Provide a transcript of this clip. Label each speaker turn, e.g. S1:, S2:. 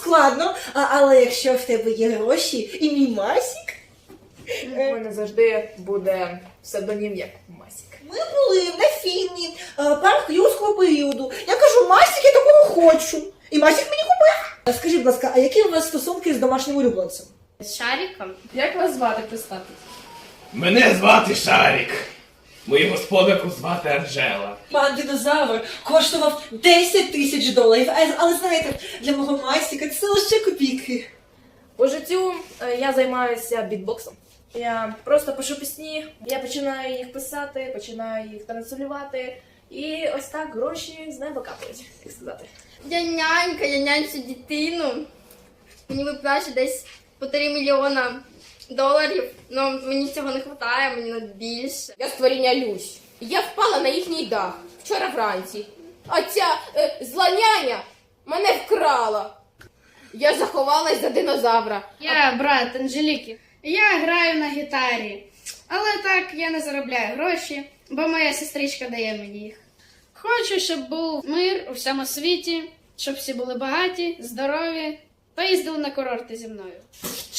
S1: складно, але якщо в тебе є гроші і мій Масік...
S2: У мене завжди буде псевдонім як Масік.
S1: Ми були на фільмі парк юрського періоду. Я кажу, Масік, я такого хочу. І Масік мені купив. Скажіть, будь ласка, а які у вас стосунки з домашнім улюбленцем?
S3: З Шариком?
S2: Як вас звати, представтесь?
S4: Мене звати Шарік. Мою господарку звати Анжела.
S1: Пан динозавр коштував $10,000, але знаєте, для мого Масіка це лише копійки.
S2: По життю я займаюся бітбоксом. Я просто пишу пісні, я починаю їх писати, починаю їх транслювати. І ось так гроші з неба капають, як сказати.
S3: Я нянчу дитину. Мені виплачують десь по $3 мільйона. Ну, мені цього не вистачає, мені на більше.
S5: Я створіння Люсь. Я впала на їхній дах вчора вранці. А ця зла няня мене вкрала. Я заховалась за динозавра.
S6: Я брат Анжеліки. Я граю на гітарі. Але так я не заробляю гроші, бо моя сестричка дає мені їх. Хочу, щоб був мир у всьому світі, щоб всі були багаті, здорові та їздили на курорти зі мною.